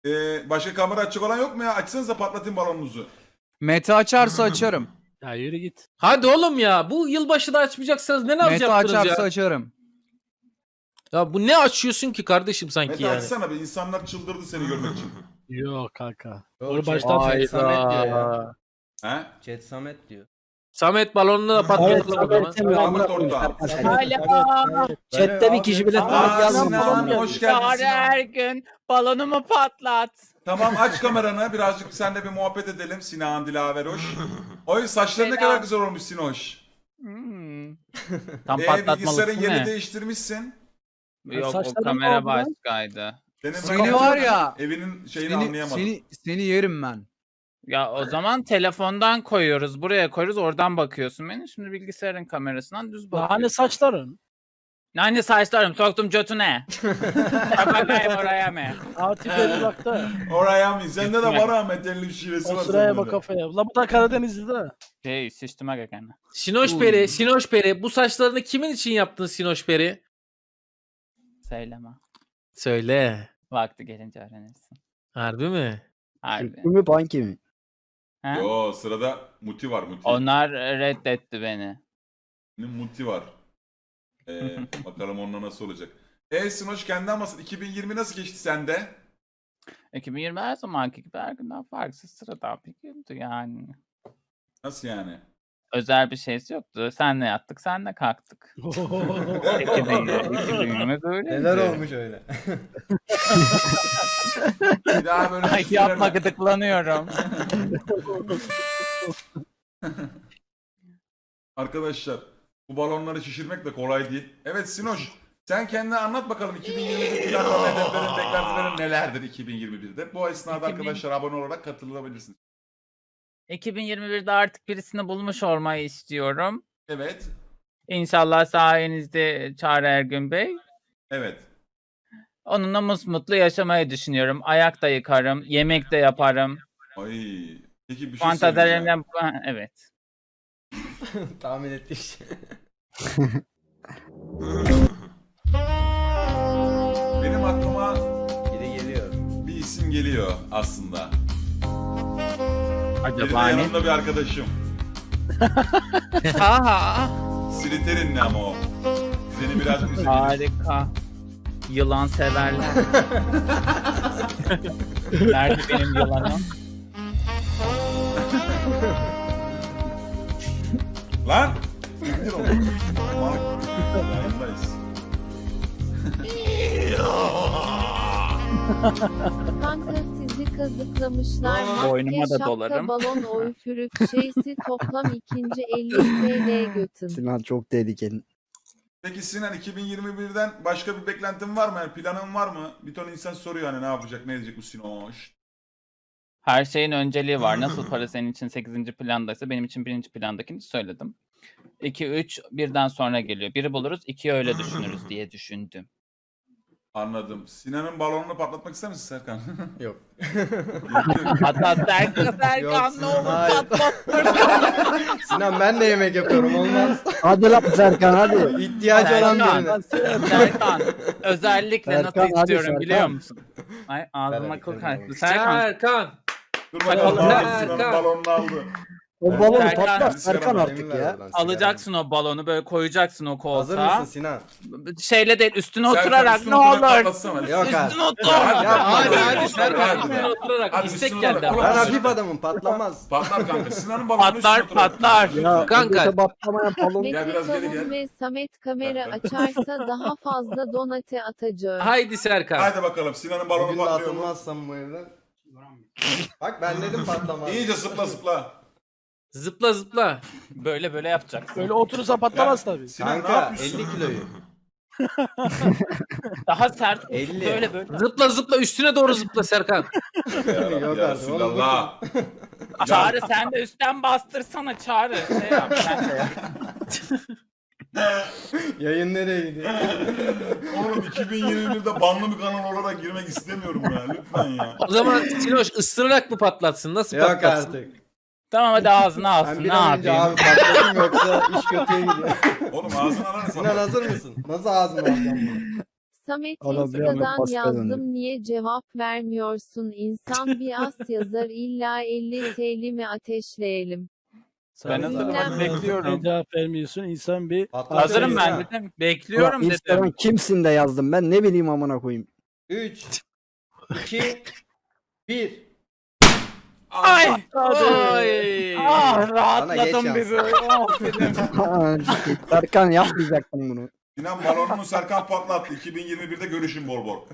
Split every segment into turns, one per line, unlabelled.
Başka kamera açık olan yok mu ya? Açsanıza patlatayım balonunuzu.
Mete açarsa açarım.
Ya yürü git.
Hadi oğlum ya. Bu yılbaşı da açmayacaksanız ne naz
Mete
yaptınız
açarsa
ya?
açarım.
Ya bu ne açıyorsun ki kardeşim sanki
Mete
yani?
açsana be. İnsanlar çıldırdı seni görmek için.
Yok kanka.
Yok,
Onu baştan
Chat Samet diyor ya.
Hayda.
He?
Chat Samet diyor.
Samet balonunu da patlatalım o zaman.
Ahmet ortağım.
Hala.
Chatte bir kişi bile
Aa, Sinan hoş geldin
Çağrı
Sinan.
Ergün balonumu patlat.
Tamam aç kameranı. Birazcık seninle bir muhabbet edelim. Sinan Dilaveroş. Oy saçların ne
Selam.
kadar güzel olmuş Sinoş.
Tam
Bilgisayarın
patlatmalısın
yerini
ne?
değiştirmişsin.
Yok o
Saçlarım
kamera
oldu lan.
başkaydı.
Seni var ya.
Evinin şeyini anlayamadım.
Seni yerim ben.
Ya o zaman telefondan koyuyoruz. Buraya koyuyoruz. Oradan bakıyorsun beni. Şimdi bilgisayarın kamerasından düz bakıyorsun.
Hani saçların?
Hani saçlarım soktum götüne. Bakayım oraya mı?
Artık bir bakta.
Oraya mı? Sende de var Ahmet elli şivesi
O
var
sıraya
sende
bak
de.
kafaya. La bu da Karadenizli de.
Şey sıçtıma gekene.
Sinoş Peri bu saçlarını kimin için yaptın Sinoş Peri?
Söyleme.
Söyle.
Vakti gelince öğrenirsin.
Harbi mi?
Harbi.
mi banki mi?
Ha?
Yo sırada Muti var Muti.
Onlar reddetti beni.
Muti var. Bakalım onunla nasıl olacak. Sinoş kendi anlasın. 2020 nasıl geçti sende?
2020 her zamanki gibi her günden farksız sıradan bir gündü yani.
Nasıl yani?
Özel bir şeysi yoktu. Senle yattık, senle kalktık. 2020 böyle.
Neler olmuş öyle?
Bir daha böyle
Ay
bir
yapma
süreme.
gıdıklanıyorum.
Arkadaşlar bu balonları şişirmek de kolay değil. Evet Sinoş sen kendine anlat bakalım 2021 planların, hedeflerin, beklentilerin nelerdir 2021'de? Bu esnada
2000
arkadaşlar abone olarak katılabilirsiniz.
2021'de artık birisini bulmuş olmayı istiyorum.
Evet.
İnşallah sayenizde Çağrı Ergün Bey.
Evet.
Onunla mutlu yaşamayı düşünüyorum. Ayak da yıkarım, yemek de yaparım.
Ay. Peki bir şey söyleyeceğim.
Fantazilerimden evet.
Tahmin ettiğim şey.
Benim aklıma
Biri geliyor.
bir isim geliyor aslında. Biri de
Acaba ne?
yanımda bir arkadaşım.
Aha,
Slytherin'li ama o. Seni biraz üzebilir.
harika. Yılan severler. Nerede benim yılanım?
Lan! İndir onu. Yayındayız.
Kanka sizi kazıklamışlar.
Boynuma
Maske,
da
şapka,
dolarım.
balon, üfürük, şeysi toplam ikinci 50 TL götün.
Sinan çok tehlikeli.
Peki Sinan 2021'den başka bir beklentin var mı? Yani planın var mı? Bir ton insan soruyor hani ne yapacak, ne edecek bu Sinoş?
Her şeyin önceliği var. Nasıl para senin için 8. plandaysa benim için 1. plandakini söyledim. 2, 3 birden sonra geliyor. Biri buluruz, 2'yi öyle düşünürüz diye düşündüm.
Anladım. Sinan'ın balonunu patlatmak ister misin Serkan?
Yok.
Hatta Serkan
Yok,
ne olur
hayır.
patlat.
Sinan ben de yemek yapıyorum olmaz.
Hadi lan Serkan hadi.
İhtiyacı olan
Serkan.
birine.
Serkan özellikle
Serkan,
nasıl
hadi
istiyorum
Serkan.
biliyor musun? Ay ağzıma
Evet,
kıl
evet,
kaçtı.
evet.
Serkan
Serkan.
Dur
Hadi
bakalım.
oğlum,
Sinan'ın
Serkan.
balonunu aldı.
O balonu
Serkan.
patlat Serkan artık
Emin ver
ya.
oradan, sigara.
alacaksın o balonu böyle koyacaksın o
Hazır
koltuğa.
mısın Sinan?
Şeyle değil üstüne
Serkan,
oturarak
üstüne
ne
oturarak
olur.
patlatsana.
Yok abi.
Üstüne otur.
Hadi,
Hadi
hadi,
hadi Serkan
hadi.
üstüne oturarak
Hadi,
istek
üstüne
geldi.
oturarak.
ama.
Ben hafif adamım patlamaz.
Patlar kanka. Sinan'ın balonunu
Patlar
üstüne otur.
patlar.
Ya
Kanka.
ötete batlamayan balon.
Gel
Mete
biraz geri gel.
Kavun ve Samet kamera açarsa daha fazla donate atacağım.
Haydi Serkan.
Hadi bakalım. Sinan'ın balonu
Bugün de
patlıyor mu?
atılmazsam bu evden. Bak ben dedim patlamaz.
İyice zıpla zıpla.
Zıpla zıpla.
Böyle böyle yapacaksın.
Öyle oturursa patlamaz tabii.
Sinan ne
Kanka
yapıyorsun?
50 kiloyu.
Daha sert.
50.
Böyle böyle.
Zıpla zıpla üstüne doğru zıpla Serkan.
Yok
Ya
artık. Oğlum,
Resulallah.
Çağrı sen de üstten bastırsana Çağrı. Şey yap, sen de yap.
Yayın nereye gidiyor?
Oğlum 2021'de banlı bir kanal olarak girmek istemiyorum ya. Lütfen ya.
O zaman Sinoş ısırarak mı patlatsın? Nasıl
Yok
patlatsın?
artık.
Tamam hadi ağzına
Ben
alsın.
bir
Ne
an önce
yapayım?
abi patlatayım yoksa iş kötüye gidiyor.
Oğlum ağzını arar
Sinan hazır mısın? Nasıl ağzını alacağım bunu?
Samet
Adam bir anda
Insta'dan
pasta
yazdım
döndü.
niye cevap vermiyorsun? İnsan bir az yazar illa 50 TL mi ateşleyelim?
Ben hazırım, hadi
Dinlenme.
bekliyorum.
Cevap vermiyorsun. İnsan bir
Hazırım ben
Ya.
dedim. Bekliyorum
Ulan Instagram
dedim.
kimsin de yazdım ben ne bileyim amına koyayım.
3, 2, 1.
Ay!
Ay.
rahatladım bir böyle.
Serkan yapmayacaktım bunu.
Sinan balonunu Serkan patlattı. 2021'de görüşün bol bol.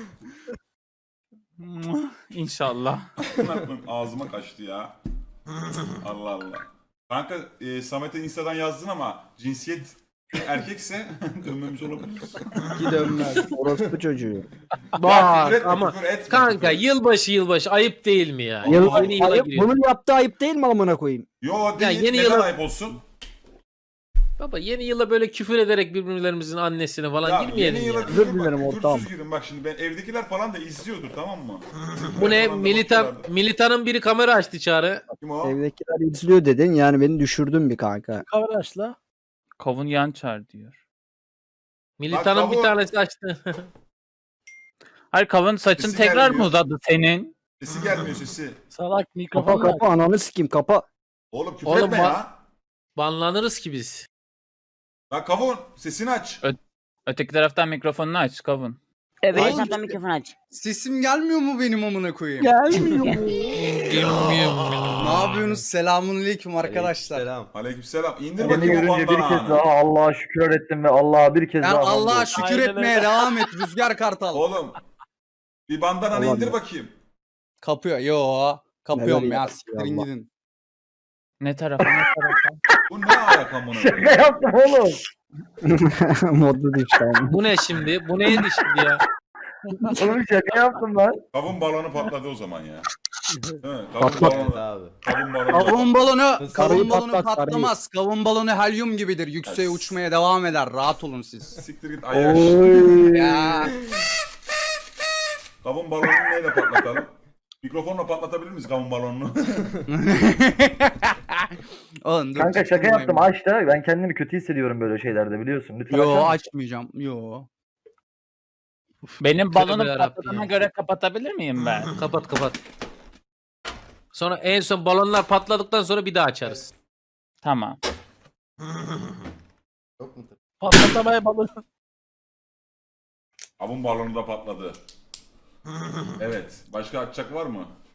İnşallah.
Ağzıma kaçtı ya. Allah Allah. Kanka Samet'e Insta'dan yazdın ama cinsiyet erkekse dönmemiş olabilir.
Ki dönmez. Orospu çocuğu.
Ya küfür etme,
ama
küfür etme,
Kanka
küfür.
yılbaşı ayıp değil mi ya?
Yıl,
Yeni yıla
ayıp,
giriyor.
bunun yaptığı ayıp değil mi amına koyayım?
Yo değil.
yeni
Neden
yıla-
ayıp olsun?
Baba yeni yıla böyle küfür ederek birbirlerimizin annesine falan
Ya
girmeyelim
yeni
ya.
yıla
Özür
küfür
dilerim
bak,
ortağım.
küfürsüz girin. Bak şimdi ben evdekiler falan da izliyordur tamam mı?
Bu ne?
Falan da bakıyorlardı.
Militanın biri kamera açtı Çağrı.
Kim o?
Evdekiler izliyor dedin yani beni düşürdün bir kanka.
kavraşla.
Kavun Yançar diyor.
Militanın bir
kavun-
tanesi açtı.
Hayır Kavun saçın
Sesi
tekrar
gelmiyor.
mı uzadı senin?
Sesi gelmiyor sesi.
Salak
Kapa
mikrofon
kapa ananı sikeyim kapa.
Oğlum küfür
Oğlum
etme
bak-
ya.
Banlanırız ki biz.
Bak kavun sesini aç.
Öteki taraftan mikrofonunu aç Kavun.
Evet,
Oğlum,
zaten mikrofon aç.
Sesim gelmiyor mu benim amına koyayım?
gelmiyor.
Ne yapıyorsunuz? Selamünaleyküm arkadaşlar.
Selam.
Aleykümselam. İndir
Beni
bakayım o
görünce bir kez
bandananı.
daha Allah'a şükür ettim ve Allah'a bir kez
Ben
daha
Allah'a şükür
Aynen
etmeye
öyle.
devam et Rüzgar Kartal.
Oğlum. Bir bandananı
Allah
indir
Allah.
bakayım.
Kapıyor. Yo. Kapıyorum
Neler
ya.
yaptı
Siktirin
Allah.
gidin.
Ne tarafa ne tarafa?
Bu ne ayak amına?
Şaka yaptım oğlum. Modlu düştü abi.
Bu ne şimdi? Bu neydi şimdi ya?
Oğlum şaka yaptım lan.
Kavun balonu patladı o zaman ya. Değil mi? Kavun
Patlat.
Evet
balonu.
abi.
Kavun balonu.
Kavun balonu,
Karıyı
kavun balonu
patlat, karıyı.
patlamaz. Kavun balonu helyum gibidir. Yükseğe uçmaya devam eder. Rahat olun siz.
Siktir git ayaş.
Oy.
Ya.
Kavun balonunu neyle patlatalım? Mikrofonla patlatabilir miyiz kavun balonunu?
Oğlum, dur,
Kanka şaka
tutmayın.
yaptım aç da ben kendimi kötü hissediyorum böyle şeylerde biliyorsun. Lütfen
Yo
açar mısın?
açmayacağım. Yo.
Benim
Tövbe
balonum
yarabbim
patladığına
ya.
göre kapatabilir miyim ben?
Kapat. Sonra en son balonlar patladıktan sonra bir daha açarız.
Tamam.
Yok mu?
Patlatamaya balon.
Kavun balonu da patladı. Evet. Başka açacak var mı?